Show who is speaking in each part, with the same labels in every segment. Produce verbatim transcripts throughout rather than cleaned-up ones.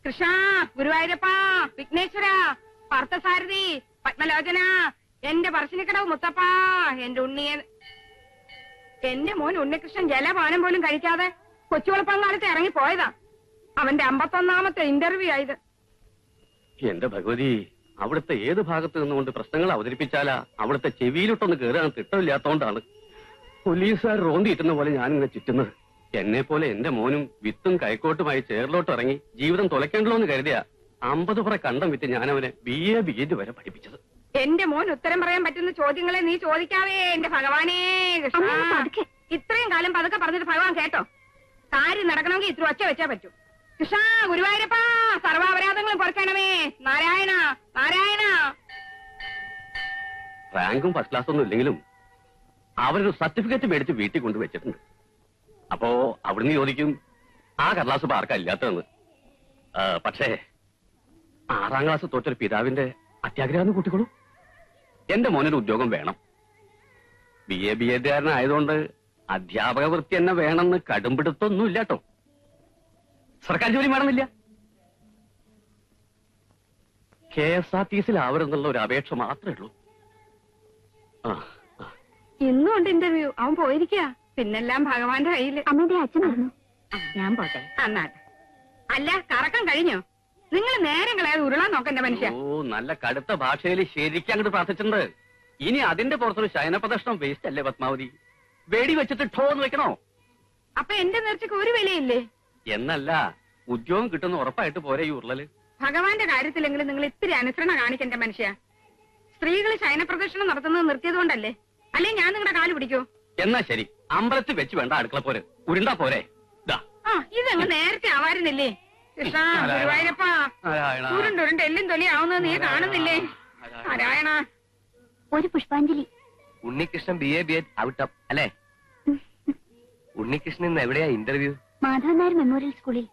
Speaker 1: കൃഷ്ണ, ഗുരുവായൂരപ്പ, വിഘ്നേശ്വര, പാർത്ഥസാരഥി, പത്മലോചന, എന്റെ പറശ്ശിനിക്കടവ് മുത്തപ്പ, എന്റെ ഉണ്ണിയെ. എന്റെ മോൻ ഉണ്ണികൃഷ്ണൻ ജലപാനം പോലും കഴിക്കാതെ കൊച്ചുവളപ്പങ്കാലത്ത് ഇറങ്ങി പോയതാ. അവന്റെ അമ്പത്തൊന്നാമത്തെ ഇന്റർവ്യൂ ആയത്.
Speaker 2: എന്റെ ഭഗവതി, അവിടുത്തെ ഏത് ഭാഗത്ത് നിന്നുകൊണ്ട് പ്രശ്നങ്ങൾ അവതരിപ്പിച്ചാലാ അവിടുത്തെ ചെവിയിലോട്ടൊന്ന് കയറാൻ തിട്ടമില്ലാത്തോണ്ടാണ് പോലീസുകാർ റോന്തിയിട്ടുന്ന പോലെ ഞാനിങ്ങനെ ചുറ്റുന്നത്. എന്നെ പോലെ എന്റെ മോനും വിത്തും കൈക്കോട്ടുമായി ചേറിലോട്ട് ഇറങ്ങി ജീവിതം തുലയ്ക്കണ്ടല്ലോ എന്ന് കരുതിയ അമ്പത് പുറ കണ്ടം വിറ്റ് ഞാൻ അവനെ ബി എ ബി എഡ് വരെ പഠിപ്പിച്ചത്.
Speaker 1: എന്റെ മോൻ ഉത്തരം പറയാൻ പറ്റുന്ന ചോദ്യങ്ങളെ നീ ചോദിക്കാവേ എന്റെ ഭഗവാനേ. ഇത്രയും കാലം പതുക്കെ പറഞ്ഞിട്ട് ഭഗവാൻ കേട്ടോ? കാര്യം നടക്കണമെങ്കിൽ ഇത്ര ഒച്ച വെച്ചാ പറ്റൂ. കൃഷ്ണ, ഗുരുവായൂരപ്പ, സർവാപരാധങ്ങളും കുറയ്ക്കണമേ. നാരായണ നാരായണ.
Speaker 2: റാങ്കും ഫസ്റ്റ് ക്ലാസ് ഒന്നും ഇല്ലെങ്കിലും അവരൊരു സർട്ടിഫിക്കറ്റ് മേടിച്ച് വീട്ടിൽ കൊണ്ടുവച്ചിട്ടുണ്ട്. അപ്പോ അവിടുന്ന് ചോദിക്കും ആ കടലാസ് ഇപ്പൊ ആർക്കാ ഇല്ലാത്തതെന്ന്. പക്ഷേ ആറാം ക്ലാസ് തോറ്റൊരു പിതാവിന്റെ അത്യാഗ്രഹം കൂട്ടിക്കോളൂ. എന്റെ മോനൊരു ഉദ്യോഗം വേണം. ബി എ ബി എഡുകാരനായതുകൊണ്ട് അധ്യാപക വൃത്തി തന്നെ വേണമെന്ന് കടുംപിടുത്തൊന്നും ഇല്ലാട്ടോ. സർക്കാർ ജോലി വേണമെന്നില്ല. കെ എസ് ആർ ടി സിയിലാവരുന്നുള്ള ഒരു അപേക്ഷ മാത്രമേ ഉള്ളൂ. ആ
Speaker 1: ഇന്നും ഉണ്ട് ഇന്റർവ്യൂ. അവൻ പോയിരിക്കുക. പിന്നെല്ലാം ഭഗവാന്റെ കയ്യില്.
Speaker 3: അമ്മയുടെ അച്ഛനായിരുന്നു. ഞാൻ പോട്ടെ.
Speaker 1: അന്നാട്ടെ. അല്ല, കറക്കം കഴിഞ്ഞോ? നിങ്ങൾ നേരം കളയാതെ ഉരുളാൻ നോക്കണ്ട മനുഷ്യ.
Speaker 2: ഓ, നല്ല കടുത്ത ഭാഷയിൽ ശരിക്കും അങ്ങോട്ട് പ്രാർത്ഥിച്ചിട്ടുണ്ട്. ഇനി അതിന്റെ പുറത്തൊരു ശയനപ്രദർശനം വേസ്റ്റ് അല്ലേ പത്മാവതി? വെടി വെച്ചിട്ട് ഠോന്ന് വെക്കണോ?
Speaker 1: അപ്പൊ എന്റെ നേർച്ചക്ക് ഒരു വിലയില്ലേ?
Speaker 2: എന്നല്ല, ഉദ്യോഗം കിട്ടുന്ന ഉറപ്പായിട്ട് പോരെ ഈ ഉരുളല്.
Speaker 1: ഭഗവാന്റെ കാര്യത്തിലെങ്കിലും നിങ്ങൾ ഇത്തിരി അനുസരണ കാണിക്കണ്ട മനുഷ്യ. സ്ത്രീകൾ ശയനപ്രദർശനം നടത്തുന്നത് നിർത്തിയത് കൊണ്ടല്ലേ? അല്ലെ ഞാൻ നിങ്ങളുടെ കാല് പിടിക്കോ?
Speaker 2: എന്നാ ശരി, അമ്പലത്തിൽ വെച്ച് വേണ്ട അടുക്കള പോരെ, ഉരുണ്ടാ പോരെ.
Speaker 1: ആ, ഇതങ്ങ് നേരത്തെ ആവാരുന്നില്ലേ? കൃഷ്ണ, ഗുരുവായൂരപ്പ, ഉരുണ്ടുരുണ്ട് എല്ലും തൊലിയാവുന്നത് നീ കാണുന്നില്ലേ? നാരായണ.
Speaker 3: ഒരു പുഷ്പാഞ്ജലി.
Speaker 4: Unnikrishnan B A B ed out of അല്ലേ? ഉണ്ണികൃഷ്ണൻ ഇന്ന് എവിടെയാ ഇന്റർവ്യൂ?
Speaker 3: മാധവൻ നായർ മെമ്മോറിയൽ സ്കൂളിൽ.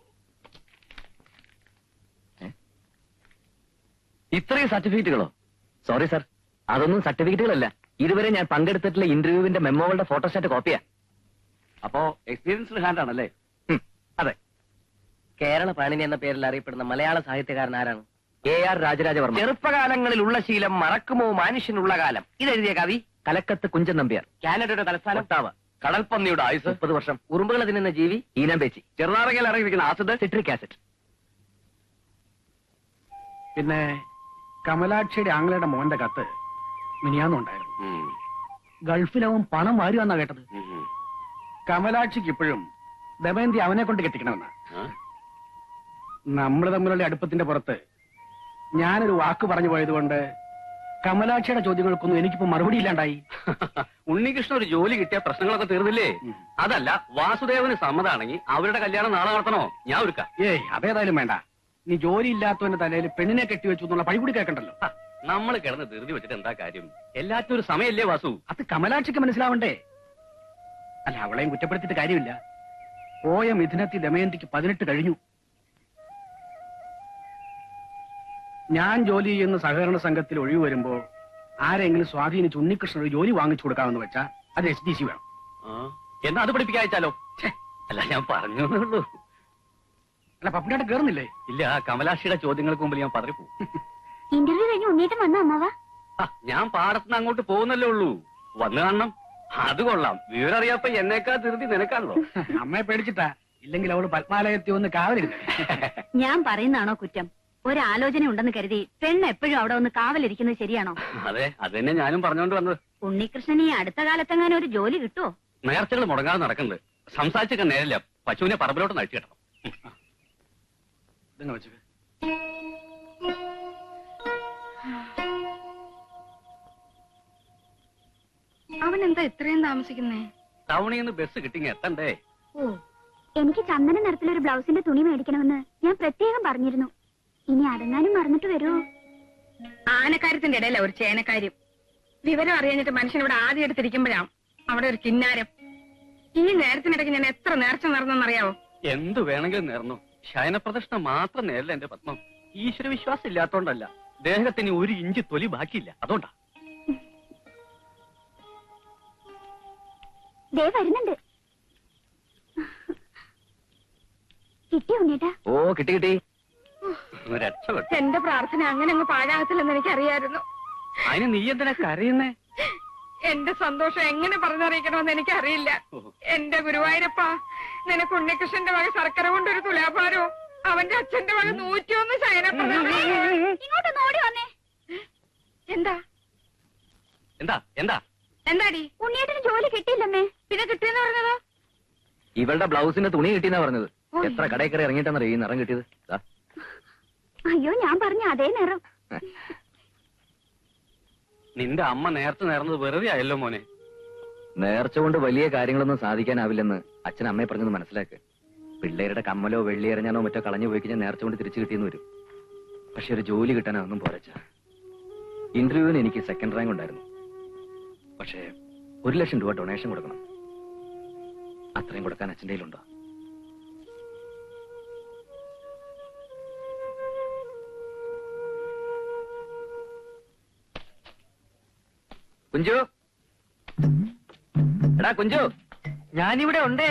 Speaker 4: ഇത്രയും സർട്ടിഫിക്കറ്റുകളോ? സോറി സർ, അതൊന്നും സർട്ടിഫിക്കറ്റുകളല്ല. ഇതുവരെ ഞാൻ പങ്കെടുത്തിട്ടുള്ള ഇന്റർവ്യൂവിന്റെ മെമ്മോകളുടെ ഫോട്ടോസ്റ്റാറ്റ് കോപ്പിയാ.
Speaker 2: അപ്പോ എക്സ്പീരിയൻസ്ഡ് ഹാൻഡ് ആണല്ലേ?
Speaker 4: അതെ. കേരള പാണിനി എന്ന പേരിൽ അറിയപ്പെടുന്ന മലയാള സാഹിത്യകാരൻ ആരാണ്? A R Raja Raja Varma. ചെറുപ്പകാലങ്ങളിൽ ഉള്ള ശീലം മറക്കുമോ മനുഷ്യനുള്ള കാലം. ഇതെഴുതിയ കവി കലക്കത്ത് കുഞ്ചൻ നമ്പ്യാർ. കാനഡയുടെ തലസ്ഥാനം ഒട്ടാവ. കടൽപ്പന്നിയുടെ ആയുസ് മുപ്പത് വർഷം. ഉറുമ്പുകൾ തിന്നുന്ന ജീവി ഈനാമ്പേച്ചി. ചെറുനാറകയിൽ ഇറങ്ങിയിരിക്കുന്ന ആസിഡ് സിട്രിക് ആസിഡ്.
Speaker 5: പിന്നെ കമലാക്ഷിയുടെ ആംഗ്ലയുടെ മോന്റെ കത്ത് മിനിയാന്നുണ്ടായിരുന്നു. ഗൾഫിലവൻ പണം വാരുവാന്നാ കേട്ടത്. കമലാക്ഷിക്ക് ഇപ്പോഴും ദമയന്തി അവനെ കൊണ്ട് കെട്ടിക്കണമെന്നാ. നമ്മൾ തമ്മിലുള്ള അടുപ്പത്തിന്റെ പുറത്ത് ഞാനൊരു വാക്ക് പറഞ്ഞു പോയതുകൊണ്ട് കമലാക്ഷിയുടെ ചോദ്യങ്ങൾക്കൊന്നും എനിക്കിപ്പോ മറുപടി ഇല്ലാണ്ടായി.
Speaker 2: ഉണ്ണികൃഷ്ണൻ ഒരു ജോലി കിട്ടിയ പ്രശ്നങ്ങളൊക്കെ തീർന്നില്ലേ? അതല്ല, വാസുദേവന് സമ്മതാണെങ്കിൽ അവരുടെ കല്യാണം നാളെ നടത്തണോ? ഞാൻ ഒരുക്കാം.
Speaker 5: ഏയ്, അതേതായാലും വേണ്ട. നീ ജോലി ഇല്ലാത്തവന്റെ തലയിൽ പെണ്ണിനെ കെട്ടിവെച്ചു എന്നുള്ള പഴി കൂടി കേൾക്കണ്ടല്ലോ.
Speaker 2: നമ്മൾ കിടന്ന് ധൃതി വെച്ചിട്ട് എന്താ കാര്യം? എല്ലാത്തിനും ഒരു സമയല്ലേ വാസു?
Speaker 5: അത് കമലാക്ഷിക്ക് മനസ്സിലാവണ്ടേ? അല്ല, അവളെയും കുറ്റപ്പെടുത്തിയിട്ട് കാര്യമില്ല. പോയ മിഥുനത്തിൽ ദമയന്തിക്ക് പതിനെട്ട് കഴിഞ്ഞു. ഞാൻ ജോലി ചെയ്യുന്ന സഹകരണ സംഘത്തിൽ ഒഴിവ് വരുമ്പോ ആരെങ്കിലും സ്വാധീനിച്ച് ഉണ്ണികൃഷ്ണൻ ഒരു ജോലി വാങ്ങിച്ചു കൊടുക്കാമെന്ന് വെച്ചാ അത് എസ് ഡി സി വേണം.
Speaker 2: എന്നാ അത് പഠിപ്പിക്കാച്ചാലോ? അല്ല, ഞാൻ പറഞ്ഞു.
Speaker 5: അല്ല, പപ്പിനായിട്ട് കേറുന്നില്ലേ?
Speaker 2: ഇല്ല, കമലാക്ഷിയുടെ ചോദ്യങ്ങൾക്ക് മുമ്പിൽ ഞാൻ പതറിപ്പോ.
Speaker 3: ഇന്റർവ്യൂ കഴിഞ്ഞ് ഉണ്ണീട്ടം വന്ന അമ്മവാ.
Speaker 2: ഞാൻ പാടത്തുനിന്ന് അങ്ങോട്ട് പോകുന്നല്ലേ ഉള്ളൂ. വന്നു കാണണം. അത് കൊള്ളാം. വിവരം അറിയാപ്പ എന്നേക്കാ ധൃതി നിനക്കാണല്ലോ.
Speaker 5: അമ്മയെ പേടിച്ചിട്ടാ. ഇല്ലെങ്കിൽ അവള് പത്മാലയത്തിൽ ഒന്ന് കാവലിരുന്നു.
Speaker 3: ഞാൻ പറയുന്നതാണോ കുറ്റം? ഒരാലോചന ഉണ്ടെന്ന് കരുതി പെണ്ണ് എപ്പോഴും അവിടെ ഒന്ന് കാവലിരിക്കുന്നത് ശരിയാണോ?
Speaker 2: അതെ, അത് തന്നെ ഞാനും പറഞ്ഞോണ്ട് വന്നത്.
Speaker 3: ഉണ്ണികൃഷ്ണൻ ഈ അടുത്ത കാലത്തെങ്ങാനും ഒരു ജോലി കിട്ടുമോ?
Speaker 2: നേർച്ചകൾ മുടങ്ങാതെ നടക്കുന്നുണ്ട്. സംസാരിച്ചൊക്കെ നേരില്ല. പശുവിനെ പറമ്പിലോട്ട് നഴിച്ചു കിട്ടണം.
Speaker 1: അവൻ എന്താ ഇത്രയും താമസിക്കുന്നേ?
Speaker 2: ടൗണിൽ നിന്ന് ബസ് കിട്ടിങ്ങ എത്തണ്ടേ?
Speaker 3: ഓ, എനിക്ക് ചന്ദന നിറത്തിലൊരു ബ്ലൗസിന്റെ തുണി മേടിക്കണമെന്ന് ഞാൻ പ്രത്യേകം പറഞ്ഞിരുന്നു. ഇനി അടങ്ങാനും മറന്നിട്ട് വരുമോ?
Speaker 1: ആനക്കാര്യത്തിന്റെ ഇടയില ഒരു ചേനക്കാര്യം. വിവരം അറിയാഞ്ഞിട്ട് മനുഷ്യൻ ഇവിടെ ആദ്യം എടുത്തിരിക്കുമ്പോഴാണ് അവിടെ ഒരു കിന്നാരം. ഈ നേരത്തിനിടയ്ക്ക് ഞാൻ എത്ര നേർച്ച നടന്നെന്നറിയാവോ?
Speaker 2: എന്തു വേണമെങ്കിലും നേർന്നു. ശയനപ്രദർശനം മാത്രം നേരില്ല എന്റെ പത്മം. ഈശ്വര വിശ്വാസം ഇല്ലാത്തോണ്ടല്ല, ദേഹത്തിന് ഒരു ഇഞ്ച് തൊലി ബാക്കിയില്ല, അതുകൊണ്ടാ.
Speaker 3: ദേ വരുന്നുണ്ട്. കിട്ടിയോ ഉണ്ണേട്ടാ?
Speaker 4: ഓ, കിട്ടി കിട്ടി.
Speaker 2: രക്ഷപ്പെട്ടു.
Speaker 1: എന്റെ പ്രാർത്ഥന അങ്ങനെ അങ്ങ് പാഴാകത്തില്ലെന്ന് എനിക്കറിയായിരുന്നു.
Speaker 2: അതിന് നീ എന്തിനാ കരയുന്നേ?
Speaker 1: എന്റെ സന്തോഷം എങ്ങനെ പറഞ്ഞറിയിക്കണമെന്ന് എനിക്കറിയില്ല. എന്റെ ഗുരുവായൂരപ്പ, നിനക്ക് ഉണ്ണികൃഷ്ണന്റെ വക ശർക്കര കൊണ്ടൊരു തുലാഭാരവും അവന്റെ അച്ഛന്റെ വക നൂറ്റിയൊന്ന് ശയനപ്രദം.
Speaker 3: ഇങ്ങോട്ടൊന്ന് ഓടി വന്നേ.
Speaker 1: എന്താ
Speaker 2: എന്താ എന്താ
Speaker 1: എന്താടി?
Speaker 3: ഉണ്ണിയേട്ടന് ജോലി കിട്ടിയില്ലമ്മേ.
Speaker 1: പിന്നെ കിട്ടിയെന്ന് പറഞ്ഞതോ?
Speaker 4: ഇവളുടെ ബ്ലൗസിന്റെ തുണി കിട്ടിയെന്നാ പറഞ്ഞത്. എത്ര കടയിൽ കയറി ഇറങ്ങിയിട്ടാന്നറിയോ ഈ നിറം കിട്ടിയത്? ദാ.
Speaker 3: അയ്യോ, ഞാൻ പറഞ്ഞ അതേ നിറം.
Speaker 2: നിന്റെ അമ്മ നേരത്തെ നേർന്നത് വെറുതെ ആയല്ലോ മോനെ.
Speaker 4: നേർച്ച കൊണ്ട് വലിയ കാര്യങ്ങളൊന്നും സാധിക്കാനാവില്ലെന്ന് അച്ഛൻ അമ്മയെ പറഞ്ഞത് മനസ്സിലാക്ക്. പിള്ളേരുടെ കമ്മലോ വെള്ളി എറിഞ്ഞാനോ മറ്റോ കളഞ്ഞു പോയി കഴിഞ്ഞാൽ നേർച്ച കൊണ്ട് തിരിച്ചു കിട്ടിയെന്ന് വരും. പക്ഷെ ഒരു ജോലി കിട്ടാൻ അതൊന്നും പോരച്ച. ഇന്റർവ്യൂവിന് എനിക്ക് സെക്കൻഡ് റാങ്ക് ഉണ്ടായിരുന്നു. പക്ഷേ ഒരു ലക്ഷം രൂപ ഡൊണേഷൻ കൊടുക്കണം. അത്രയും കൊടുക്കാൻ അച്ഛൻ്റെ കയ്യിലുണ്ടോ? കുഞ്ചു, എടാ കുഞ്ചു,
Speaker 5: ഞാനിവിടെ ഉണ്ടേ.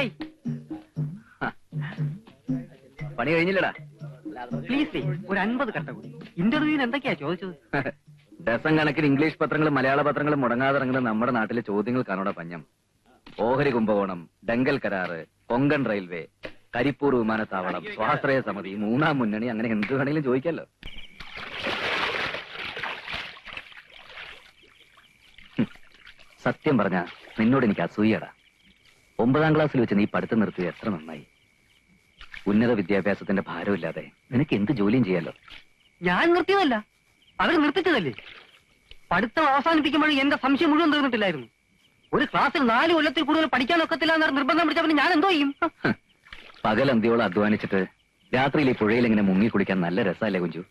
Speaker 4: പണി കഴിഞ്ഞില്ലടാ.
Speaker 5: പ്ലീസ് ഒരു അൻപത് കട്ട കൂടി. ഇന്റർവ്യൂവിന് എന്തൊക്കെയാ ചോദിച്ചത്?
Speaker 4: ഡസൻ കണക്കിന് ഇംഗ്ലീഷ് പത്രങ്ങളും മലയാള പത്രങ്ങളും മുടങ്ങാതെ ഇറങ്ങുന്ന നമ്മുടെ നാട്ടിലെ ചോദ്യങ്ങൾ കാണോടെ പഞ്ഞം. ഓഹരി കുംഭകോണം, ഡെങ്കൽ കരാറ്, കൊങ്കൺ റെയിൽവേ, കരിപ്പൂർ വിമാനത്താവളം, സ്വാശ്രയ സമിതി, മൂന്നാം മുന്നണി, അങ്ങനെ എന്ത് വേണമെങ്കിലും ചോദിക്കാലോ. സത്യം പറഞ്ഞ നിന്നോട് എനിക്ക് അസൂയടാ. ഒമ്പതാം ക്ലാസ്സിൽ വെച്ച് നീ പഠിത്തം നിർത്തിയത് എത്ര നന്നായി. ഉന്നത വിദ്യാഭ്യാസത്തിന്റെ ഭാരമില്ലാതെ നിനക്ക് എന്ത് ജോലിയും ചെയ്യാലോ.
Speaker 5: ഞാൻ നിർത്തിയതല്ല, അവർ നിർത്തിച്ചതല്ലേ. പഠിത്തം അവസാനിപ്പിക്കുമ്പോഴും എന്റെ സംശയം മുഴുവൻ തീർന്നിട്ടില്ലായിരുന്നു. ഒരു ക്ലാസ്സിൽ നാല് കൊല്ലത്തിൽ കൂടുതൽ പഠിക്കാനൊക്കത്തില്ല എന്ന് നിർബന്ധം പിടിച്ചപ്പോൾ ഞാൻ എന്തോ ചെയ്യും?
Speaker 4: പകൽ അന്തിയോളം അധ്വാനിച്ചിട്ട് രാത്രിയിൽ ഈ പുഴയിൽ ഇങ്ങനെ മുങ്ങി കുളിക്കാൻ നല്ല രസമല്ലേ കുഞ്ചു?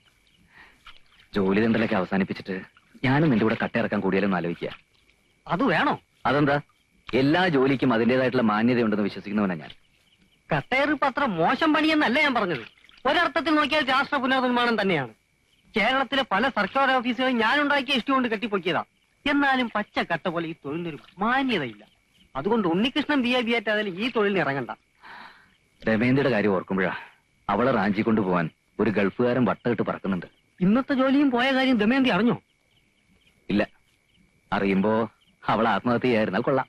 Speaker 4: ജോലി തണ്ടലൊക്കെ അവസാനിപ്പിച്ചിട്ട് ഞാനും നിന്റെ കൂടെ കട്ടയിറക്കാൻ കൂടിയാലും ആലോചിക്കുക.
Speaker 5: അത് വേണോ?
Speaker 4: അതെന്താ? എല്ലാ ജോലിക്കും അതിന്റേതായിട്ടുള്ള മാന്യതയുണ്ടെന്ന് വിശ്വസിക്കുന്നവനാ ഞാൻ.
Speaker 5: കട്ടേറിപ്പ് അത്ര മോശം പണിയെന്നല്ല ഞാൻ പറഞ്ഞത്. ഒരർത്ഥത്തിൽ നോക്കിയാൽ രാഷ്ട്ര പുനർനിർമ്മാണം തന്നെയാണ്. കേരളത്തിലെ പല സർക്കാർ ഓഫീസുകളും ഞാൻ ഉണ്ടാക്കിയ ഇഷ്ടം കൊണ്ട് കെട്ടിപ്പൊക്കിയതാ. എന്നാലും പച്ച കട്ട പോലെ ഈ തൊഴിലിനൊരു മാന്യതയില്ല. അതുകൊണ്ട് ഉണ്ണികൃഷ്ണൻ ബി എ ബി ആയിട്ടായാലും ഈ തൊഴിലിന് ഇറങ്ങണ്ട.
Speaker 4: രമേന്ദ്രയുടെ കാര്യം ഓർക്കുമ്പോഴാ അവളെ റാഞ്ചി കൊണ്ടുപോവാൻ ഒരു ഗൾഫുകാരൻ വട്ടമിട്ട് പറക്കുന്നുണ്ട്.
Speaker 5: ഇന്നത്തെ ജോലിയും പോയ കാര്യം ദമയന്തി അറിഞ്ഞോ?
Speaker 4: ഇല്ല. അറിയുമ്പോ അവൾ ആത്മഹത്യ ചെയ്യായിരുന്നാൽ കൊള്ളാം.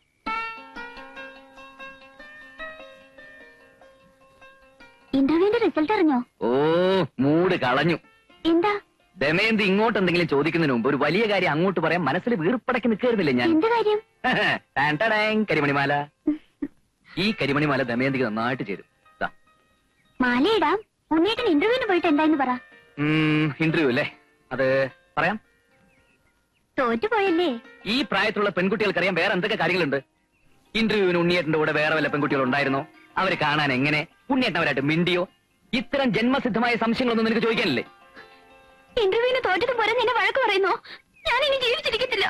Speaker 3: ഇന്റർവ്യൂവിന്റെ റിസൾട്ട് അറിഞ്ഞോ?
Speaker 4: ഓ, മൂട് കളഞ്ഞു.
Speaker 3: എന്താ?
Speaker 4: ദമയന്തി ഇങ്ങോട്ട് എന്തെങ്കിലും ചോദിക്കുന്നതിന് മുമ്പ് ഒരു വലിയ കാര്യം അങ്ങോട്ട് പറയാൻ മനസ്സിൽ വീർപ്പടക്കി നിൽക്കായിരുന്നില്ലേ ഞാൻ?
Speaker 3: എന്ത് കാര്യം?
Speaker 4: ടാൻ ടാടാങ്, കരിമണിമാല. ഈ കരിമണിമാല ദമയന്തിക്ക് നന്നായിട്ട് ചേരും. ദാ.
Speaker 3: മാലയിടാം. ഉണ്ണിയേട്ടൻ ഇന്റർവ്യൂവിന് പോയിട്ട് എന്തായെന്ന് പറ.
Speaker 4: ഇന്റർവ്യൂ അല്ലേ? അത് പറയാം.
Speaker 3: തോറ്റുപോയല്ലേ?
Speaker 4: ഈ പ്രായത്തിലുള്ള പെൺകുട്ടികൾക്കറിയാം വേറെ എന്തൊക്കെ കാര്യങ്ങളുണ്ട്. ഇന്റർവ്യൂവിന് ഉണ്ണിയേട്ടന്റെ കൂടെ വേറെ വല്ല പെൺകുട്ടികൾ ഉണ്ടായിരുന്നോ? അവരെ കാണാൻ എങ്ങനെ? ഉണ്ണിയേട്ടൻ അവരായിട്ട് മിണ്ടിയോ? ഇത്തരം ജന്മസിദ്ധമായ സംശയങ്ങളൊന്നും നിനക്ക് ചോദിക്കാനില്ലേ?
Speaker 3: ഇന്റർവ്യൂവിന് തോറ്റത് പോലെ നിന്നെ വഴക്ക് പറയുന്നോ? ഞാൻ ഇനി ജീവിച്ചിരിക്കത്തില്ല.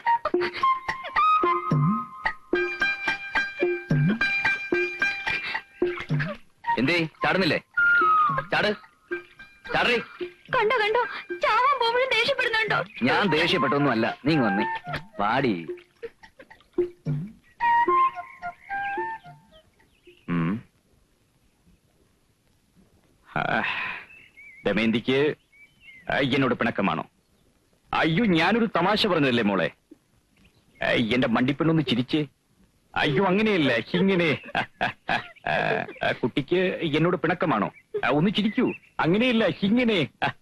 Speaker 4: എന്തേ ചാടുന്നില്ലേ? ചാട് ചാടേ.
Speaker 3: കണ്ടോ കണ്ടോ, ചാവാൻ പോകുമ്പോഴും ദേഷ്യപ്പെടുന്നുണ്ടോ?
Speaker 4: ഞാൻ ദേഷ്യപ്പെട്ടൊന്നും അല്ല. നീ വന്നേ പാടി. ദമയന്തിക്ക് എന്നോട് പിണക്കമാണോ? അയ്യോ, ഞാനൊരു തമാശ പറഞ്ഞതല്ലേ മോളെ. എന്റെ മണ്ടിപ്പെണ്ണൊന്ന് ചിരിച്ചേ. അയ്യോ, അങ്ങനെയല്ല, ഇങ്ങനെ. കുട്ടിക്ക് എന്നോട് പിണക്കമാണോ? ഒന്ന് ചിരിക്കൂ. അങ്ങനെയല്ല, ഇങ്ങനെ.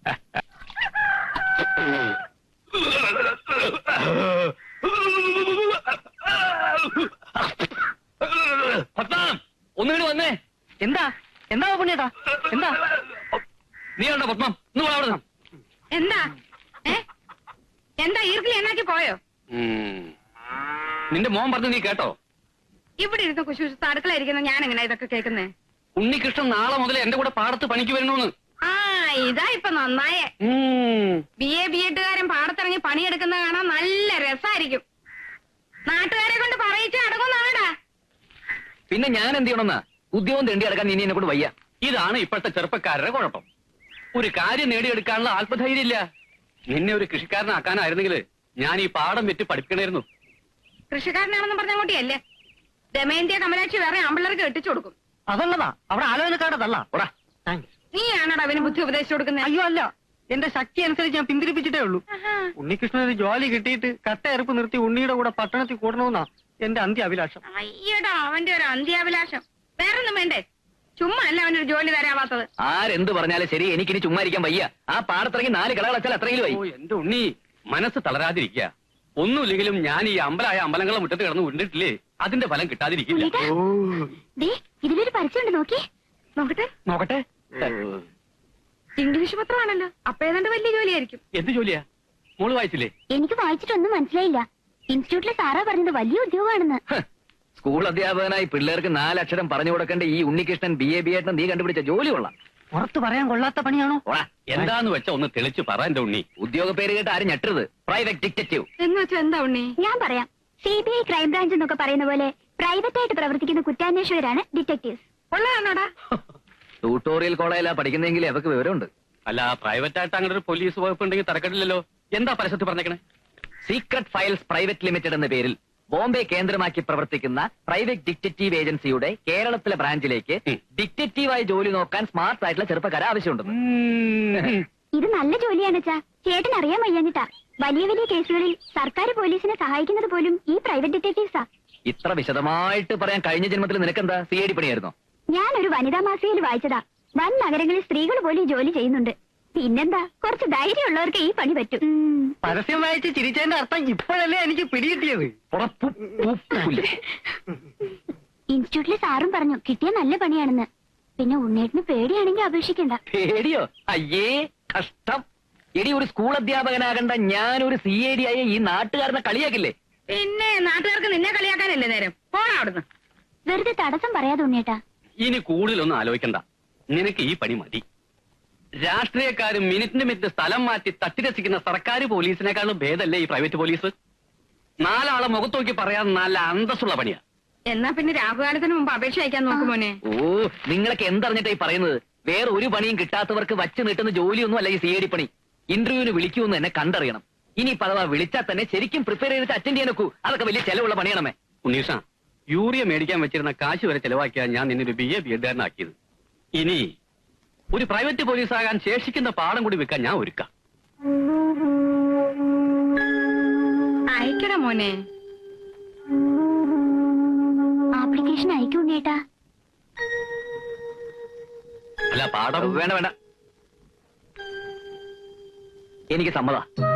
Speaker 4: ഒന്നുകൂടി വന്നേ.
Speaker 5: എന്താ എന്താ പുണ്യേട്ടാ? എന്താ?
Speaker 4: നീ ഉണ്ടോ പത്മം? അവിടെ
Speaker 1: എന്താ? ഏ എന്താ ഈർക്കിൽ എന്നാക്കി പോയോ?
Speaker 2: നിന്റെ മോൻ പറഞ്ഞു നീ കേട്ടോ?
Speaker 1: ഇവിടെ ഇരുന്ന് കുശുശുത്ത് അടുക്കളയിരിക്കുന്ന ഞാൻ എങ്ങനെ ഇതൊക്കെ കേൾക്കുന്നേ?
Speaker 2: ഉണ്ണികൃഷ്ണൻ നാളെ മുതൽ എന്റെ കൂടെ പാടത്ത് പണിക്ക് വരണമെന്ന്.
Speaker 1: ആ, ഇതാ ഇപ്പൊ നന്നായേ. ബി എ ബി എഡുകാരൻ പാടത്തിറങ്ങി പണിയെടുക്കുന്ന കാണാൻ നല്ല രസമായിരിക്കും. നാട്ടുകാരെ കൊണ്ട് പറയിച്ച് അടങ്ങുന്നാടാ.
Speaker 4: പിന്നെ ഞാൻ എന്ത് ചെയ്യണമെന്നാ? ഉദ്യോഗം തേണ്ടി അടക്കാൻ ഇനി എന്നെ കൂടെ വയ്യ.
Speaker 2: ഇതാണ് ഇപ്പോഴത്തെ ചെറുപ്പക്കാരുടെ കുഴപ്പം. ഒരു കാര്യം നേടിയെടുക്കാനുള്ള ആത്മധൈര്യം ഇല്ല. നിന്നെ ഒരു കൃഷിക്കാരനാക്കാനായിരുന്നെങ്കിൽ ഞാൻ ഈ പാടം വെറ്റ് പഠിപ്പിക്കണമായിരുന്നു.
Speaker 1: കൃഷിക്കാരനാണെന്ന് പറഞ്ഞ കൂട്ടിയല്ലേ ദമയന്തിയ കമലാക്ഷി വേറെ ആമ്പിള്ളേർക്ക് കെട്ടിച്ചു കൊടുക്കും.
Speaker 5: അതുള്ളതാ അവിടെ ആലോചനക്കാരതല്ല.
Speaker 4: ഓടാ.
Speaker 5: താങ്ക്സ്.
Speaker 1: നീയാണോടാ അവന് ബുദ്ധി ഉപദേശിച്ചു കൊടുക്കുന്നത്?
Speaker 5: അയ്യോ അല്ല, എന്റെ ശക്തി അനുസരിച്ച് ഞാൻ പിന്തിരിപ്പിച്ചിട്ടേ ഉള്ളൂ. ഉണ്ണികൃഷ്ണൻ ഒരു ജോലി കിട്ടിയിട്ട് കട്ടയറുപ്പ് നിർത്തി ഉണ്ണിയുടെ കൂടെ പട്ടണത്തിൽ കൂടണമെന്നാ എന്റെ അന്ത്യ അഭിലാഷം.
Speaker 1: അയ്യടാ അവന്റെ ഒരു അന്ത്യാഭിലാഷം. വേറൊന്നും വേണ്ടേ? ചുമ്മാ അല്ല അവനൊരു ജോലി തരാവാത്തത്.
Speaker 4: ആരെന്ത് പറഞ്ഞാലും ശരി, എനിക്കിനി ചുമ്മാ ഇരിക്കാൻ വയ്യ. ആ പാടത്തിറങ്ങി നാല് കളകളച്ചാൽ അത്രയും വൈ.
Speaker 2: ഓ എന്റെ ഉണ്ണി, മനസ്സ് തളരാതിരിക്കുക. ഒന്നുമില്ലെങ്കിലും ഞാൻ ഈ അമ്പലായ അമ്പലങ്ങളെ മുറ്റത്ത് കിടന്ന് ഉണ്ടിട്ടില്ലേ, അതിന്റെ ഫലം കിട്ടാതിരിക്കില്ല.
Speaker 3: ദേ, ഇതിലൊരു പരസ്യമുണ്ട്, നോക്കി.
Speaker 1: നോക്കട്ടെ
Speaker 4: നോക്കട്ടെ.
Speaker 1: ഇംഗ്ലീഷ് പത്രമാണല്ലോ, അപ്പൊ ഏതാണ്ട് വലിയ ജോലിയായിരിക്കും.
Speaker 2: എന്ത് ജോലിയാ? മോള് വായിച്ചില്ലേ?
Speaker 3: എനിക്ക് വായിച്ചിട്ടൊന്നും മനസ്സിലായില്ല. ഇൻസ്റ്റിറ്റ്യൂട്ടിലെ സാറാ പറഞ്ഞത് വലിയ ഉദ്യോഗമാണെന്ന്.
Speaker 4: സ്കൂൾ അധ്യാപകനായി പിള്ളേർക്ക് നാലക്ഷരം പറഞ്ഞു കൊടുക്കേണ്ട ഈ ഉണ്ണികൃഷ്ണൻ ബി എ ബി ആയിട്ട് നീ കണ്ടുപിടിച്ച ജോലി കൊള്ളാം.
Speaker 5: പുറത്ത് പറയാൻ കൊള്ളാത്ത പണിയാണോ?
Speaker 4: ഓടാ.
Speaker 2: എന്താന്ന് വെച്ചാ ഒന്ന് തെളിച്ച് പറ എന്റെ ഉണ്ണി.
Speaker 4: ഉദ്യോഗ പേര് കേട്ട് ആരും ഞെട്ടരുത്. Private detective.
Speaker 1: എന്ന് വെച്ചാ എന്താ ഉണ്ണി?
Speaker 3: ഞാൻ പറയാം. സി ബി ഐ ക്രൈംബ്രാഞ്ച് എന്നൊക്കെ പറയുന്ന പോലെ പ്രൈവറ്റ് ആയിട്ട് പ്രവർത്തിക്കുന്ന കുറ്റാന്വേഷകരാണ് ഡിറ്റക്ടീവ്സ്.
Speaker 1: ഉള്ളതാണോടാ?
Speaker 4: ട്യൂട്ടോറിയൽ കോളേജിലാ പഠിക്കുന്നെങ്കിൽ അവർക്ക് വിവരമുണ്ട്.
Speaker 2: അല്ല, പ്രൈവറ്റ് ആയിട്ട് അങ്ങനെ ഒരു പോലീസ് വകുപ്പ് ഉണ്ടെങ്കിൽ തരക്കെട്ടില്ലല്ലോ. എന്താ പരസ്യത്തിൽ പറഞ്ഞേക്കണേ?
Speaker 4: സീക്രട്ട് ഫയൽസ് പ്രൈവറ്റ് ലിമിറ്റഡ് എന്ന പേരിൽ ബോംബെ കേന്ദ്രമാക്കി പ്രവർത്തിക്കുന്ന പ്രൈവറ്റ് ഡിറ്റക്റ്റീവ് ഏജൻസിയുടെ കേരളത്തിലെ ബ്രാഞ്ചിലേക്ക് ഡിറ്റക്റ്റീവായി ജോലി നോക്കാൻ സ്മാർട്ട് ആയിട്ടുള്ള ചെറുപ്പക്കാരെ ആവശ്യമുണ്ടെന്ന്.
Speaker 3: ഇത് നല്ല ജോലിയാണ് ചാ. ചേട്ടൻ അറിയാൻ വയ്യാഞ്ഞിട്ടാ. വലിയ വലിയ കേസുകളിൽ സർക്കാർ പോലീസിനെ സഹായിക്കുന്നത് പോലും ഈ പ്രൈവറ്റ് ഡിറ്റക്ടീവ്സാ.
Speaker 4: ഇത്ര വിശദമായിട്ട് പറയാൻ കഴിഞ്ഞ ജന്മത്തിൽ നിനക്കെന്താ സി ഐ ഡി പണിയായിരുന്നോ?
Speaker 3: ഞാനൊരു വനിതാ മാസികയിൽ വായിച്ചതാ. വൻ നഗരങ്ങളിൽ സ്ത്രീകൾ പോലും ഈ ജോലി ചെയ്യുന്നുണ്ട്. പിന്നെന്താ, കുറച്ച് ധൈര്യമുള്ളവർക്ക് ഈ പണി പറ്റും. ഉം.
Speaker 5: പരസ്യം വായിച്ച് ചിരിച്ചതിന്റെ അർത്ഥം ഇപ്പോഴല്ലേ എനിക്ക് പിടികിട്ടിയത്.
Speaker 3: ഇൻസ്റ്റിറ്റ്യൂട്ടിലെ സാറും പറഞ്ഞു കിട്ടിയ നല്ല പണിയാണെന്ന്. പിന്നെ ഉണ്ണേട്ടിന് പേടിയാണെങ്കിൽ അപേക്ഷിക്കണ്ട.
Speaker 4: പേടിയോ? അയ്യേ കഷ്ടം. എടി, ഒരു സ്കൂൾ അധ്യാപകനാകണ്ട ഞാനൊരു സി ഐ ഡി ആയ ഈ നാട്ടുകാരനെ കളിയാക്കില്ലേ?
Speaker 1: പിന്നെ നാട്ടുകാർക്ക് നിന്നെ കളിയാക്കാനല്ലേ നേരം. പോണ അവിടുന്ന്.
Speaker 3: വെറുതെ തടസ്സം പറയാതെ ഉണ്ണേട്ടാ.
Speaker 2: ഇനി കൂടുതലൊന്നും ആലോചിക്കണ്ട. നിനക്ക് ഈ പണി മതി. രാഷ്ട്രീയക്കാരും മിനിറ്റിന് മിനിറ്റ് സ്ഥലം മാറ്റി തട്ടിരസിക്കുന്ന സർക്കാർ പോലീസിനേക്കാളും ഭേദമല്ലേ ഈ പ്രൈവറ്റ് പോലീസ്? നാലാളെ മുഖത്ത് നോക്കി പറയാൻ നല്ല അന്തസ്സുള്ള പണിയാ.
Speaker 1: എന്നാ പിന്നെ രാഹുകാലത്തിന് മുമ്പ് അപേക്ഷ അയക്കാൻ നോക്കുമോനെ.
Speaker 4: ഓ, നിങ്ങളൊക്കെ എന്തറിഞ്ഞിട്ടായി പറയുന്നത്? വേറെ ഒരു പണിയും കിട്ടാത്തവർക്ക് വച്ച് നീട്ടുന്ന ജോലിയൊന്നും അല്ല ഈ സി ഐ ഡി പണി. ഇന്റർവ്യൂവിന് വിളിക്കുമെന്ന് എന്നെ കണ്ടറിയണം. ഇനി പലവാ വിളിച്ചാൽ തന്നെ ശരിക്കും പ്രിപ്പയർ ചെയ്തിട്ട് അറ്റൻഡ് ചെയ്യാൻ നോക്കൂ. അതൊക്കെ വലിയ ചെലവുള്ള പണിയാണമേ.
Speaker 2: ഉണ്ണീഷ, യൂറിയ മേടിക്കാൻ വെച്ചിരുന്ന കാശ് വരെ ചെലവാക്കിയാൽ ഞാൻ നിന്നൊരു ബി എ ബി എഡ്കാരനാക്കിയത്. ഇനി ഒരു പ്രൈവറ്റ് പോലീസാകാൻ ശേഷിക്കുന്ന പാഠം കൂടി വെക്കാൻ ഞാൻ ഒരുക്കാം.
Speaker 1: അയക്കട മോനെ.
Speaker 3: ആപ്ലിക്കേഷൻ അയക്കും ഉണ്ണേട്ടാ.
Speaker 2: അല്ല, പാഠം
Speaker 4: വേണ്ട വേണ്ട, എനിക്ക് സമ്മത.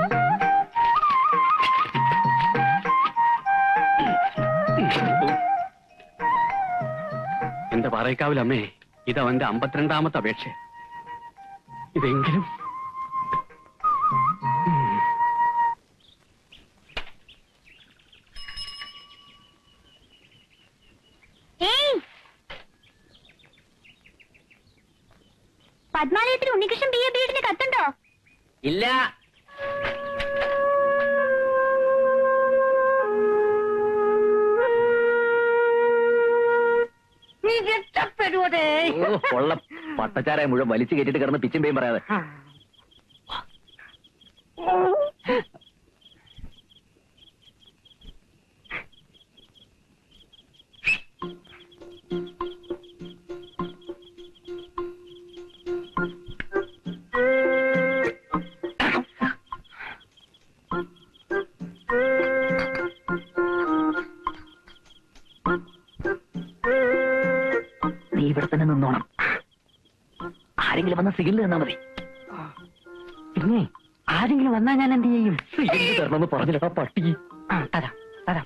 Speaker 2: എന്റെ പാറയ്ക്കാവിലമ്മേ, ഇത് അവന്റെ അമ്പത്തിരണ്ടാമത്തെ അപേക്ഷ. ഇതെങ്കിലും
Speaker 3: പത്മാലയത്തിൽ ഉണ്ണികൃഷ്ണൻ ബി എ ബി എഡിന് കത്തുണ്ടോ?
Speaker 4: ഇല്ല.
Speaker 1: നീ രക്ഷപ്പെടുവതേ.
Speaker 4: ഉള്ള പട്ടച്ചാരായ മുഴുവൻ വലിച്ചു കയറ്റിട്ട് കിടന്ന് പിച്ചും പേയും പറയാതെ. നീ ഇവിടെ തന്നെ നിന്നോണം. ആരെങ്കിലും വന്ന സിഗ്നൽ തന്നാ മതി.
Speaker 5: പിന്നെ ആരെങ്കിലും വന്നാ ഞാൻ എന്ത് ചെയ്യും?
Speaker 4: സിഗ്നൽ തരണമെന്ന് പറഞ്ഞില്ലടാ പട്ടി.
Speaker 5: ആ, തരാം തരാം.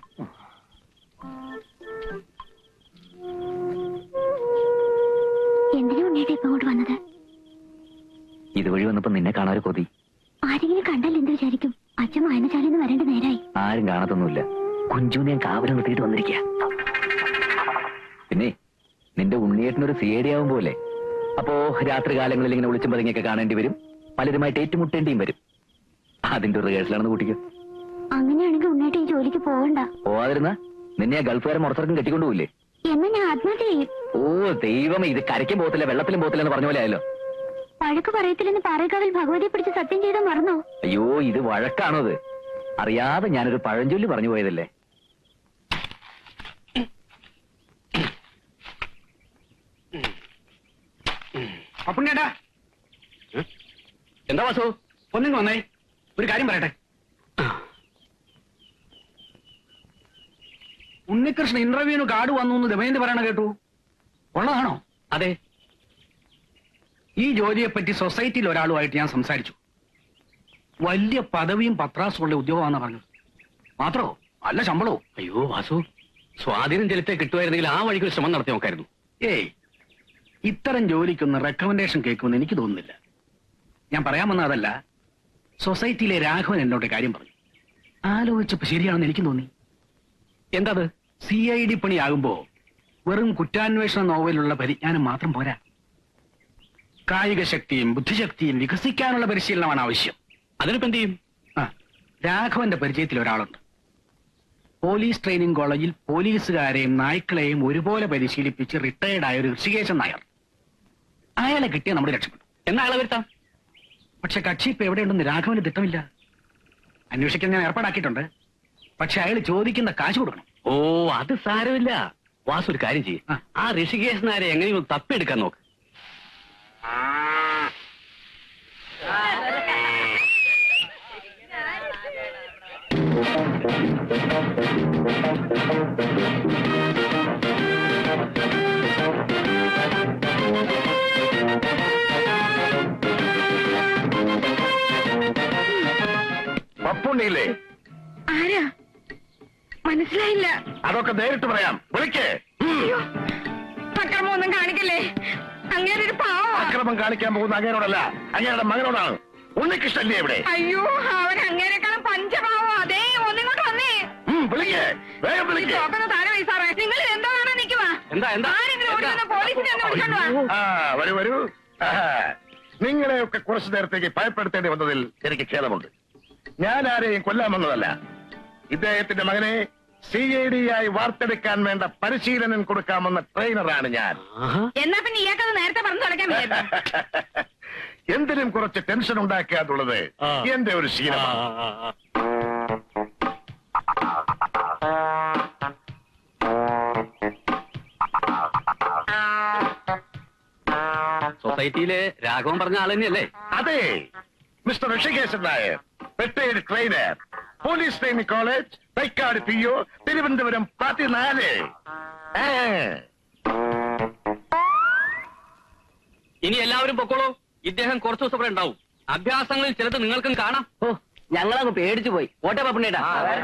Speaker 3: എന്തിനാ ഉണ്ണേട്ടാ ഇപ്പൊ അങ്ങോട്ട് വന്നത്?
Speaker 4: ഇതുവഴി വന്നപ്പോ നിന്നെ കാണാൻ കൊതി.
Speaker 3: ആരെങ്കിലും കണ്ടാൽ എന്ത് വിചാരിക്കും? അച്ഛൻ വായനശാലയിൽ നിന്ന് വരേണ്ട നേരായി.
Speaker 4: ആരും കാണത്തൊന്നുമില്ല. കുഞ്ചുനെ ഞാൻ കാവലം നിർത്തിയിട്ട് വന്നിരിക്കുക. പിന്നെ നിന്റെ ഉണ്ണിയേട്ടനൊരു സി ഐ ഡി ആവും പോലെ. അപ്പോ രാത്രി കാലങ്ങളിൽ ഇങ്ങനെ വിളിച്ചും പതുങ്ങിയൊക്കെ കാണേണ്ടി വരും. പലരുമായിട്ട് ഏറ്റുമുട്ടേണ്ടിയും വരും. അതിന്റെ ഒരു റിഹേഴ്സലാണെന്ന് കൂട്ടിക്കോ.
Speaker 3: അങ്ങനെയാണെങ്കിൽ ഉണ്ണേട്ട ഈ ജോലിക്ക് പോകണ്ട.
Speaker 4: പോവാതിരുന്ന നിന്നെ ആ ഗൾഫുകാരൻ മുറത്തിറക്കും കെട്ടിക്കൊണ്ടുപോയില്ലേ?
Speaker 3: എന്നാ ഞാൻ ആത്മഹത്യ ചെയ്യും.
Speaker 4: ഓ ദൈവമേ, ഇത് കരയ്ക്കും പോകത്തില്ല വെള്ളത്തിലും പോകത്തില്ല എന്ന് പറഞ്ഞ പോലെ ആയല്ലോ.
Speaker 3: വഴക്ക് പറയത്തില്ലെന്ന് പാറേക്കാവിൽ ഭഗവതിയെ പിടിച്ച് സത്യം ചെയ്താൽ മറന്നോ?
Speaker 4: അയ്യോ, ഇത് വഴക്കാണോ? അത് അറിയാതെ ഞാനൊരു പഴഞ്ചൊല്ലി പറഞ്ഞു പോയതല്ലേ.
Speaker 5: അപ്പുണ്ണേട്ടാ,
Speaker 2: എന്താ വാസു?
Speaker 6: ഒന്നിങ്ങ് വന്നേ, ഒരു കാര്യം പറയട്ടെ. ഉണ്ണികൃഷ്ണൻ ഇന്റർവ്യൂവിന് കാർഡ് വന്നു എന്ന് ദമയന്തി പറയണ കേട്ടു. ഉള്ളതാണോ?
Speaker 2: അതെ.
Speaker 6: ഈ ജോലിയെ പറ്റി സൊസൈറ്റിയിൽ ഒരാളുമായിട്ട് ഞാൻ സംസാരിച്ചു. വലിയ പദവിയും പത്രാസുള്ള ഉദ്യോഗമാണെന്ന് പറഞ്ഞത്. മാത്രോ നല്ല ശമ്പളവും.
Speaker 2: അയ്യോ വാസു, സ്വാധീനം ചെലുത്തേ കിട്ടുമായിരുന്നെങ്കിൽ ആ വഴിക്ക് ഒരു ശ്രമം നടത്തി നോക്കായിരുന്നു.
Speaker 6: ഏയ്, ഇത്തരം ജോലിക്കൊന്ന് റെക്കമെൻഡേഷൻ കേൾക്കുമെന്ന് എനിക്ക് തോന്നുന്നില്ല. ഞാൻ പറയാൻ വന്ന അതല്ല. സൊസൈറ്റിയിലെ രാഘവൻ എന്നോട് കാര്യം പറഞ്ഞു. ആലോചിച്ചപ്പോ ശരിയാണെന്ന് എനിക്ക് തോന്നി.
Speaker 2: എന്താ അത്?
Speaker 6: സി ഐ ഡി പണിയാകുമ്പോ വെറും കുറ്റാന്വേഷണ നോവലുള്ള പരിജ്ഞാനം മാത്രം പോരാ. കായിക ശക്തിയും ബുദ്ധിശക്തിയും വികസിക്കാനുള്ള പരിശീലനമാണ് ആവശ്യം.
Speaker 2: അതിനിപ്പോ എന്ത് ചെയ്യും?
Speaker 6: ആ, രാഘവന്റെ പരിചയത്തിൽ ഒരാളുണ്ട്. പോലീസ് ട്രെയിനിങ് കോളേജിൽ പോലീസുകാരെയും നായ്ക്കളെയും ഒരുപോലെ പരിശീലിപ്പിച്ച് റിട്ടയർഡ് ആയ ഒരു ഋഷികേശൻ നായർ. അയാളെ കിട്ടിയ നമ്മുടെ രക്ഷപ്പെട്ടു.
Speaker 2: എന്നാ ആളെ വരുത്താം.
Speaker 6: പക്ഷെ കക്ഷി ഇപ്പൊ എവിടെയുണ്ടെന്ന് രാഘവന് തിട്ടമില്ല. അന്വേഷിക്കാൻ ഞാൻ ഏർപ്പാടാക്കിയിട്ടുണ്ട്. പക്ഷെ അയാൾ ചോദിക്കുന്ന കാശ് കൊടുക്കണം.
Speaker 2: ഓ, അത് സാരമില്ല. വാസു ഒരു കാര്യം ചെയ്യും.
Speaker 6: ആ.
Speaker 2: ആ ഋഷികേശനാരെ എങ്ങനെയും തപ്പിയെടുക്കാൻ നോക്ക്.
Speaker 7: പപ്പുണ്ണിയില്ലേ?
Speaker 1: ആരാ? മനസ്സിലായില്ല.
Speaker 7: അതൊക്കെ നേരിട്ട് പറയാം. വിളിക്കേ.
Speaker 1: അയ്യോ, അക്രമമൊന്നും കാണിക്കല്ലേ. അങ്ങനെ ഒരു പാവം.
Speaker 7: അക്രമം കാണിക്കാൻ പോകുന്ന അങ്ങേരോടല്ല, അങ്ങേരുടെ മകനോടാണ്. ഉണ്ണികൃഷ്ണല്ലേ ഇവിടെ?
Speaker 1: അയ്യോ, അവൻ അങ്ങേരെക്കാളും പഞ്ചപാവം. അതേ, ഒന്നിങ്ങോട്ട് വന്നേ.
Speaker 7: ഉം, വിളിക്കേ, വേഗം വിളിക്കേ.
Speaker 1: ചോക്കുന്ന താരം വയസ്സാറേ, നിങ്ങൾ എന്തോ കാണാൻ നിൽക്കുവാ?
Speaker 2: എന്താ എന്താ
Speaker 1: ആരെങ്കിലും ഓടി വന്ന് പോലീസിനെ ഒന്ന് വിളിച്ചോണ്ട് വാ.
Speaker 7: ആ, വരൂ വരൂ. ആഹാ. നിങ്ങളെയൊക്കെ കുറച്ചു നേരത്തേക്ക് ഭയപ്പെടുത്തേണ്ടി വന്നതിൽ എനിക്ക് ഖേദമുണ്ട്. ഞാൻ ആരെയും കൊല്ലാൻ വന്നതല്ല. ഇദ്ദേഹത്തിന്റെ മകനെ സി ഐ ഡി ആയി വാർത്തെടുക്കാൻ വേണ്ട പരിശീലനം കൊടുക്കാമെന്ന ട്രെയിനറാണ് ഞാൻ.
Speaker 1: എന്നാ പിന്നെ ഇയാൾക്കത് നേരത്തെ പറഞ്ഞു തുടക്കാൻ വിചാരിച്ചു.
Speaker 7: എന്തിനും കുറച്ച് ടെൻഷൻ ഉണ്ടാക്കുക എന്നുള്ളത് എന്റെ ഒരു ശീലമാണ്.
Speaker 2: സൊസൈറ്റിയിലെ രാഘവൻ പറഞ്ഞ ആൾ തന്നെയല്ലേ?
Speaker 7: അതെ, mister Hrishikesan Nair, retired trainer, police training college, Thycaud P O, Thiruvananthapuram പതിനാല്.
Speaker 2: ഇനി എല്ലാവരും പൊക്കോളൂ. ഇദ്ദേഹം കുറച്ചു ദിവസം ഇവിടെ ഉണ്ടാവും. അഭ്യാസങ്ങളിൽ ചിലത് നിങ്ങൾക്കും കാണാം.
Speaker 4: ഓ, ഞങ്ങളങ്ങ് പേടിച്ചു പോയി. ഓട്ടെ പപ്പുണ്ണേട്ടാ.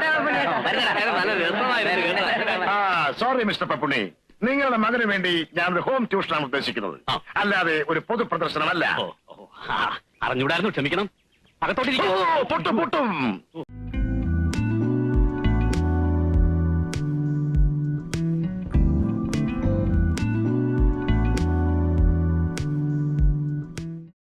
Speaker 7: ആ, സോറി മിസ്റ്റർ പപ്പുണ്ണി, നിങ്ങളുടെ മകന് വേണ്ടി ഞാൻ ഒരു ഹോം ട്യൂഷനാണ് ഉദ്ദേശിക്കുന്നത്,
Speaker 2: ആ.
Speaker 7: അല്ലാതെ ഒരു പൊതു പ്രദർശനമല്ല.
Speaker 2: ഓ, ഓ, ആ, അറിഞ്ഞൂടായിരുന്നു, ക്ഷമിക്കണം. അകത്തോട്ടിരിക്കും.
Speaker 7: ഓ, പൊട്ടും പൊട്ടും.